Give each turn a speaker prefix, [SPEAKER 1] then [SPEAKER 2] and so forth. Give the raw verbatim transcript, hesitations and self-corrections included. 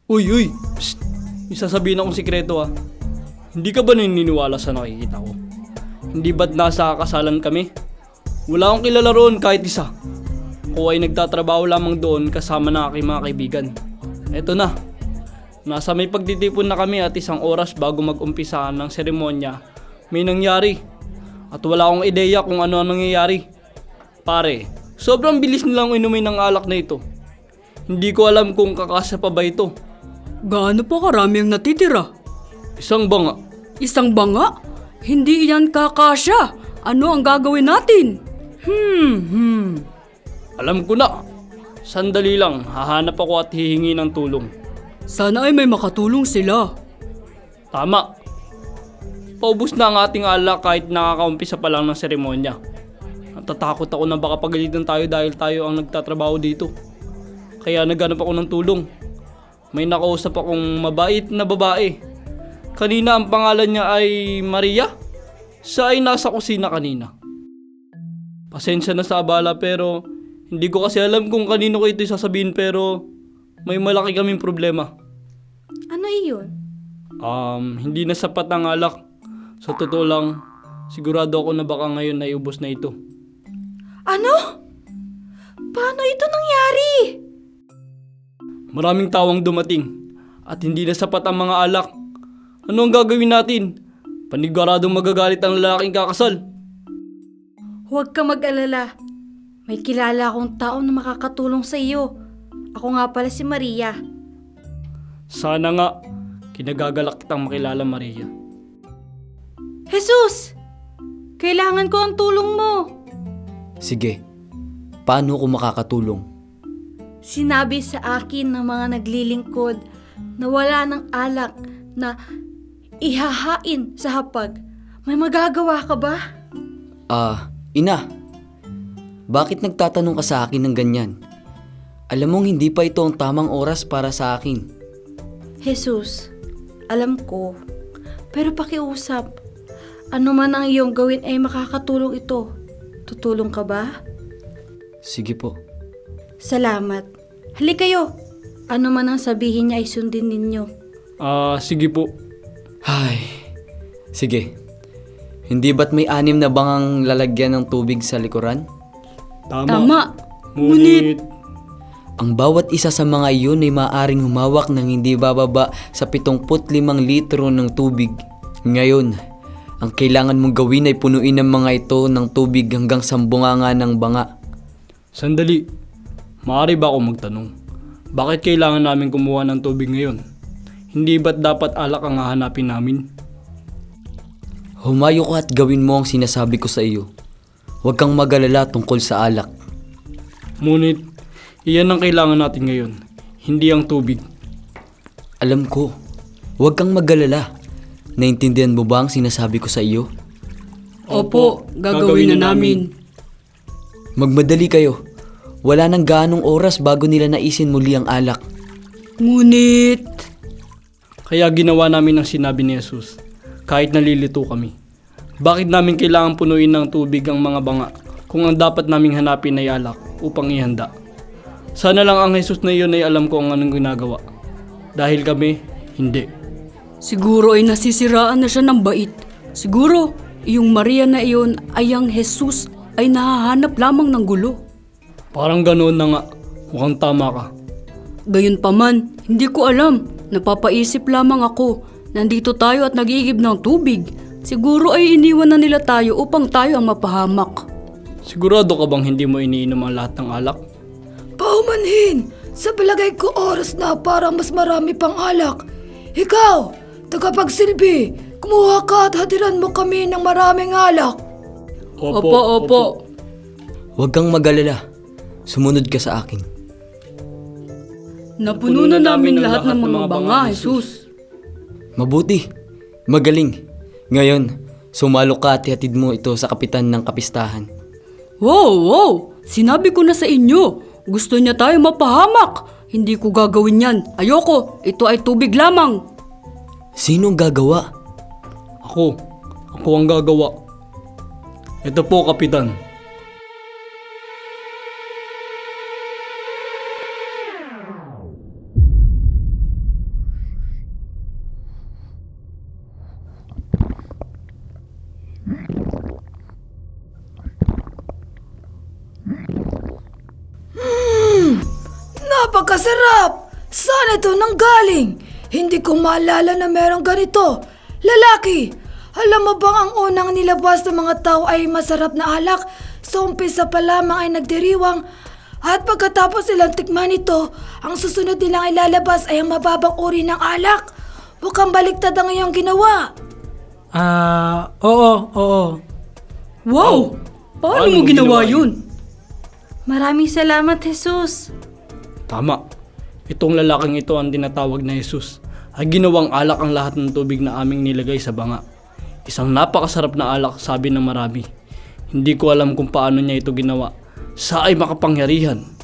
[SPEAKER 1] Uy, uy! Psst! May sasabihin akong sikreto ah. Hindi ka ba naniniwala sa nakikita ko? Hindi ba't nasa kasalan kami? Wala akong kilala roon kahit isa. Ako ay nagtatrabaho lamang doon kasama ng aking mga kaibigan. Eto na. Nasa may pagtitipon na kami at isang oras bago mag-umpisa ng seremonya, may nangyari. At wala akong ideya kung ano ang nangyayari. Pare, sobrang bilis nilang inumin ng alak na ito. Hindi ko alam kung kakasya pa ba ito.
[SPEAKER 2] Gaano pa karami ang natitira?
[SPEAKER 1] Isang banga.
[SPEAKER 2] Isang banga? Hindi yan kakasya. Ano ang gagawin natin? Hmm, hmm.
[SPEAKER 1] Alam ko na. Sandali lang, hahanap ako at hihingi ng tulong.
[SPEAKER 2] Sana ay may makatulong sila.
[SPEAKER 1] Tama. Paubos na ang ating alak kahit nakakaumpisa pa lang ng seremonya. Natatakot ako na baka pagalitan tayo dahil tayo ang nagtatrabaho dito. Kaya naghanap ako ng tulong. May nakausap akong mabait na babae. Kanina ang pangalan niya ay Maria. Siya ay nasa kusina kanina. Pasensya na sa abala pero hindi ko kasi alam kung kanino ko ito sasabihin pero may malaki kaming problema.
[SPEAKER 3] Ano iyon?
[SPEAKER 1] Um, hindi na sapat ang alak. Sa totoo lang, sigurado ako na baka ngayon ay ubos na ito.
[SPEAKER 3] Ano? Paano ito nangyari?
[SPEAKER 1] Maraming tawang dumating at hindi na sapat ang mga alak. Ano ang gagawin natin? Paniguradong magagalit ang lalaking kakasal.
[SPEAKER 3] Huwag ka mag-alala. May kilala akong tao na makakatulong sa iyo. Ako nga pala si Maria.
[SPEAKER 1] Sana nga, kinagagalak kitang makilala, Maria.
[SPEAKER 3] Jesus! Kailangan ko ang tulong mo.
[SPEAKER 4] Sige, paano ko makakatulong?
[SPEAKER 3] Sinabi sa akin ng mga naglilingkod na wala ng alak na ihahain sa hapag. May magagawa ka ba?
[SPEAKER 4] Ah, ina. Bakit nagtatanong ka sa akin ng ganyan? Alam mong hindi pa ito ang tamang oras para sa akin.
[SPEAKER 3] Jesus, alam ko. Pero pakiusap. Ano man ang iyong gawin ay makakatulong ito. Tutulong ka ba?
[SPEAKER 4] Sige po.
[SPEAKER 3] Salamat. Halika kayo. Ano man ang sabihin niya ay sundin ninyo.
[SPEAKER 1] Ah, sige po.
[SPEAKER 4] Ay, sige. Hindi ba't may anim na bangang lalagyan ng tubig sa likuran?
[SPEAKER 1] Tama.
[SPEAKER 2] Tama.
[SPEAKER 1] Ngunit,
[SPEAKER 4] Ang bawat isa sa mga iyon ay maaaring humawak ng hindi bababa sa pitongput limang litro ng tubig. Ngayon, ang kailangan mong gawin ay punuin ang mga ito ng tubig hanggang sa bunganga ng banga.
[SPEAKER 1] sandali. Maaari ba ako magtanong? Bakit kailangan namin kumuha ng tubig ngayon? Hindi ba't dapat alak ang hahanapin namin?
[SPEAKER 4] Humayo ka at gawin mo ang sinasabi ko sa iyo. Huwag kang mag-alala tungkol sa alak.
[SPEAKER 1] Ngunit, iyan ang kailangan natin ngayon. Hindi ang tubig.
[SPEAKER 4] Alam ko, huwag kang mag-alala. Naintindihan mo ba ang sinasabi ko sa iyo?
[SPEAKER 2] Opo, gagawin na namin.
[SPEAKER 4] Magmadali kayo. Wala nang gaanong oras bago nila naisin muli ang alak.
[SPEAKER 2] Ngunit,
[SPEAKER 1] Kaya ginawa namin ang sinabi ni Jesus. Kahit nalilito kami. Bakit namin kailangan punuin ng tubig ang mga banga kung ang dapat naming hanapin ay alak upang ihanda? Sana lang ang Jesus na iyon ay alam ko ang anong ginagawa. Dahil kami, hindi.
[SPEAKER 2] siguro ay nasisiraan na siya ng bait. Siguro, yung Maria na iyon ay ang Jesus ay nahahanap lamang ng gulo.
[SPEAKER 1] Parang ganoon na nga. Mukhang tama ka.
[SPEAKER 2] Gayunpaman, hindi ko alam. Napapaisip lamang ako. Nandito tayo at nag-iigib ng tubig. Siguro ay iniwan na nila tayo upang tayo ang mapahamak.
[SPEAKER 1] Sigurado ka bang hindi mo iniinom ang lahat ng alak?
[SPEAKER 5] Paumanhin! Sa palagay ko oras na para mas marami pang alak. Ikaw, tagapagsilbi, kumuha ka at hatiran mo kami ng maraming alak.
[SPEAKER 2] Opo, opo.
[SPEAKER 4] Huwag kang mag-alala. Sumunod ka sa akin.
[SPEAKER 2] Napuno na namin lahat ng mga banga, Jesus.
[SPEAKER 4] Mabuti. Magaling. Ngayon, sumalo ka at ihatid mo ito sa kapitan ng kapistahan.
[SPEAKER 2] Wow, wow! Sinabi ko na sa inyo. Gusto niya tayo mapahamak. Hindi ko gagawin yan. Ayoko. Ito ay tubig lamang.
[SPEAKER 4] Sinong gagawa?
[SPEAKER 1] Ako. Ako ang gagawa. Ito po, Kapitan.
[SPEAKER 5] Napakasarap! Saan ito nanggaling? Hindi ko maalala na merong ganito. Lalaki, alam mo bang ang unang nilabas ng mga tao ay masarap na alak? Sa umpisa pa lamang ay nagdiriwang. At pagkatapos nilang tikman ito, ang susunod nilang ilalabas ay ang mababang uri ng alak. Mukhang baliktad ang iyong ginawa.
[SPEAKER 6] Ah, oo, oo.
[SPEAKER 2] Wow! Paano,
[SPEAKER 1] Paano
[SPEAKER 2] mo
[SPEAKER 1] mo
[SPEAKER 2] ginawa
[SPEAKER 1] ginawa
[SPEAKER 2] yun?
[SPEAKER 3] Maraming salamat, Jesus.
[SPEAKER 1] Tama. Itong lalaking ito ang tinatawag na Jesus ay ginawang alak ang lahat ng tubig na aming nilagay sa banga. Isang napakasarap na alak, sabi ng marami. Hindi ko alam kung paano niya ito ginawa. Sa ay makapangyarihan.